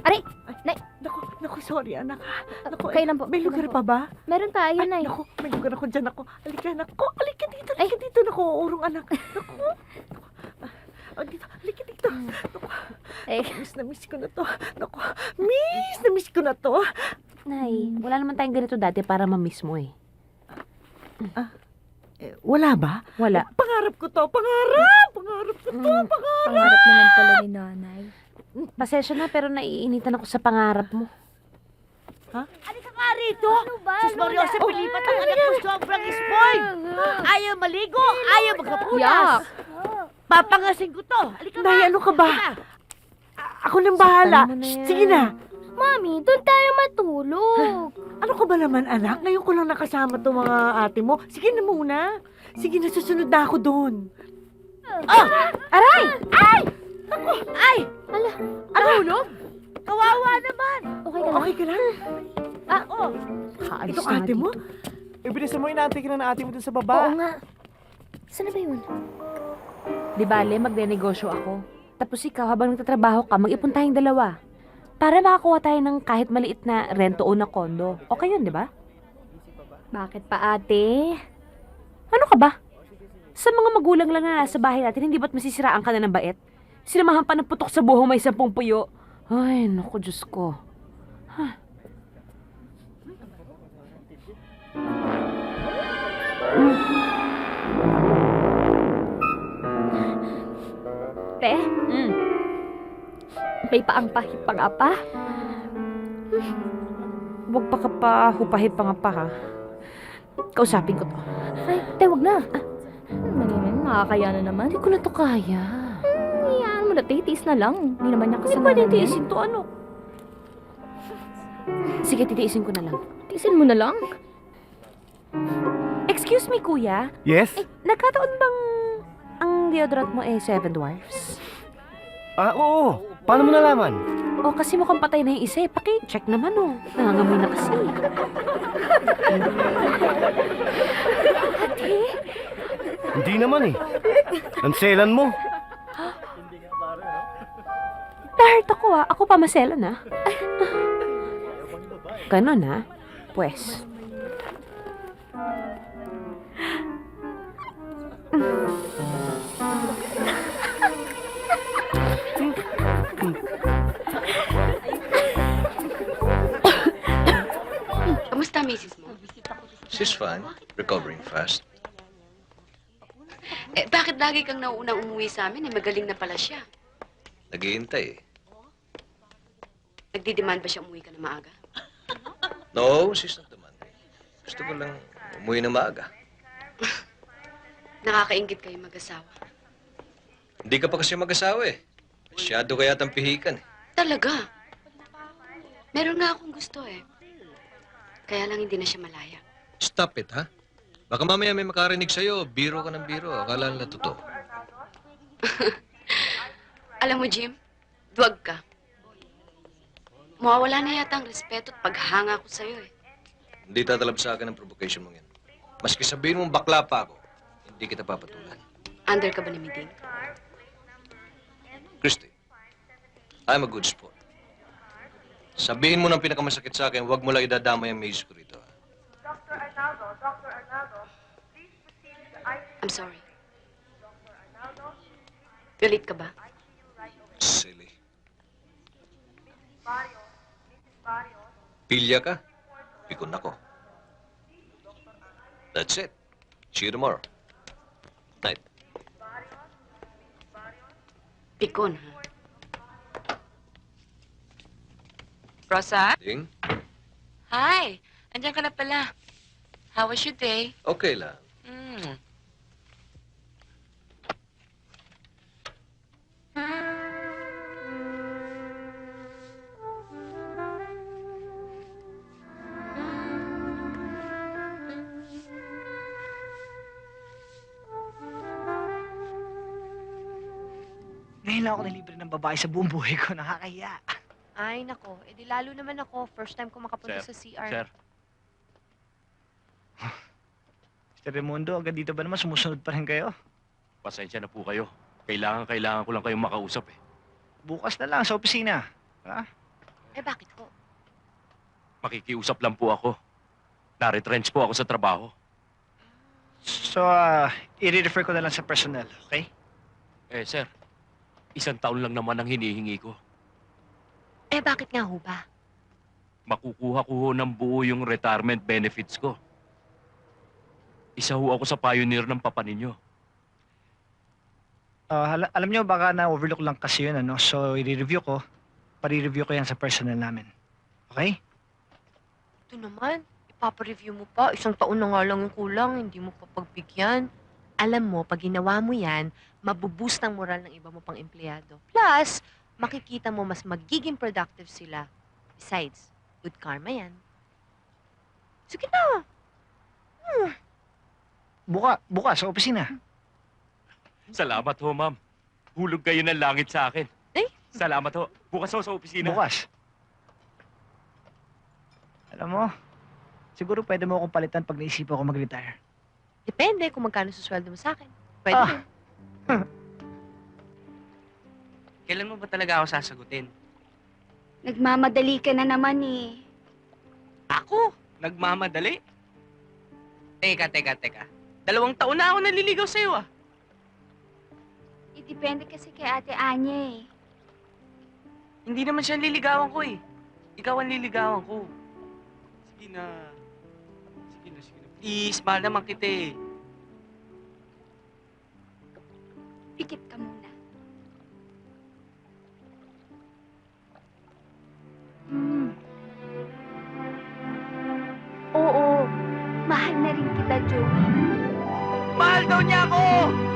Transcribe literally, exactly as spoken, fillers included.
Aray! Ay, Nay! naku, naku, sorry anak. Naku, Kailan po? may Kailan lugar po? pa ba? Meron tayo, Ay, Nay. naku, may lugar ako dyan ako. Halika, naku, halika dito, halika dito, naku, urong anak. Naku, naku. Ah, dito, halika dito. Naku, Eh, miss na miss ko na to. Naku, miss na miss ko na to. Nay, wala naman tayong ganito dati para ma-miss mo eh. Eh, wala ba? Wala. Pangarap ko to, pangarap! Pangarap ko to, Mm, pangarap! pangarap naman pala ni nanay. Pasensya na pero naiinitan ako sa pangarap mo. Halika nga rito! Ano ba, Sus Mario, sa Oh, Pilipat ang anak ko sobrang spoiled! Ayaw maligo! Ayaw magkapunas! Yak! Papangasin ko to! Halika nga! Nay, ano ka ba? Halika. A- Ako nang bahala. Saktan mo na Shh, yan. sige na. Mami, doon tayo matulog. Ano ka ba naman, anak? Ngayon ko lang nakasama to mga ate mo. Sige na muna. Sige na, susunod na ako doon. Oh! Aray! Ay! Ala, Tulog? Kawawa naman! okay ka lang? Okay ka lang? Oh! Kaalis Itong na ate mo? dito. Ibilis mo, inaantay ka na ng ate mo dun sa Oo baba. nga. Saan na ba yun? Di bale, magde-negosyo ako. Tapos ikaw, habang nagtatrabaho ka, mag-ipon tayong dalawa. Para makakuha tayo ng kahit maliit na rento o na kondo. Okay yun, di ba? Bakit pa, ate? Ano ka ba? Sa mga magulang lang na nasa bahay natin, hindi ba't masisiraan ka na ng bait? Sinamahan pa ng putok sa buhong may sampung puyo. Ay, naku, Diyos ko. Huh. Te, Mm. may paang pahit pa nga pa. Huwag pa ka pa hupahit pa nga pa, ha? Kausapin ko to. Ay, te, wag na. Ano naman, nakakaya na naman. Hindi ko na to kaya. Iyaan mo na, te, tiis na lang. Hindi naman niya Hindi kasalanan. pwede tiisin to, ano? Sige, titiisin ko na lang. Tiisin mo na lang. Excuse me, kuya. Yes? Eh, nagkataon bang ang deodorant mo eh Seven Dwarfs? Ah, oo. Paano mo nalaman? O kasi mukhang patay na yung isa eh. Paki-check naman oh. Nangangamoy na kasi. Hindi naman eh. Nanselan mo. Na-hurt ako ah. Ako pa masela na. Ganon ah. Pues. Kamusta, misis mo? She's fine. Recovering fast. Eh, bakit lagi kang nauunang umuwi sa amin? Eh, magaling na pala siya. Naghihintay eh. Nagdidemand ba siya umuwi ka na maaga? No, she's not demanding. Gusto ko lang umuwi na maaga. Nakakaingit kayo mag-asawa. Hindi ka pa kasi mag-asawa eh. Masyado kaya tang pihikan eh. Talaga? Meron nga akong gusto eh. Kaya lang hindi na siya malaya. Stop it, ha? Baka mamaya may makarinig sa'yo. Biro ka ng biro. Akala nila totoo. Alam mo, Jim, duwag ka. Mawawala na yata ang respeto at paghanga ko sa'yo eh. Hindi tatalab sa akin ang provocation mong yan. Maski sabihin mong bakla pa ako, hindi kita papatulan. Under ka ba ni Miding? Christy, I'm a good sport. Sabihin mo ng pinakamasakit sa akin, huwag mo lang idadamay ang misis ko rito. ha? I'm sorry. Galit ka ba? Silly. Pilya ka? Pikon ako. That's it. See you tomorrow. Night. Pikon, ha? Rosa? Ding? Hi! Andiyan ka na pala. How was your day? Okay lang. Mm. Ngayon lang ako nalibre ng babae sa buong buhay ko. Nakakahiya. Ay, nako. Eh di lalo naman ako. First time ko makapunta Sir, sa C R. Sir, Mister Raimundo, agad dito ba naman sumusunod pa rin kayo? pasensya na po kayo. Kailangan, kailangan ko lang kayong makausap eh. Bukas na lang sa opisina. Ha? Eh, bakit ho? Makikiusap lang po ako. Na-retrench po ako sa trabaho. So, ah, i-refer ko na lang sa personnel, okay? Eh, sir, isang taon lang naman ang hinihingi ko. Eh, bakit nga ho ba? Makukuha ko ho ng buo yung retirement benefits ko. Isa ho ako sa pioneer ng papa ninyo. Ah, hala- alam nyo, baka na-overlook lang kasi yun, ano? So, i-review ko. Pari-review ko yan sa personnel namin. Okay? Ito naman, ipapareview mo pa. Isang taon na nga lang yung kulang, hindi mo pa pagbigyan. Alam mo, pag ginawa mo yan, mabuboost ang moral ng iba mo pang empleyado. Plus, makikita mo mas magiging productive sila. Besides, good karma yan. Sige na. Buka, bukas sa opisina. Salamat ho, ma'am. Hulog kayo ng langit sa akin. Eh? Salamat ho. Bukas ho sa opisina. Bukas. Alam mo, siguro pwede mo akong palitan pag naisipan ko mag-retire. Depende kung magkano susweldo mo sa akin. Pwede Ah. rin. Kailan mo ba talaga ako sasagutin? Nagmamadali ka na naman eh. Ako? Nagmamadali? Teka, teka, teka. Dalawang taon na ako naliligaw sa'yo ah. Idepende kasi kay Ate Anya eh. Hindi naman siya ang liligawan ko eh. Ikaw ang liligawan ko. Sige na. Sige na, sige na. Please, mahal naman kita eh. Pikit ka muna. Hmm. Oo, mahal na rin kita, Joey. Mahal daw niya ako!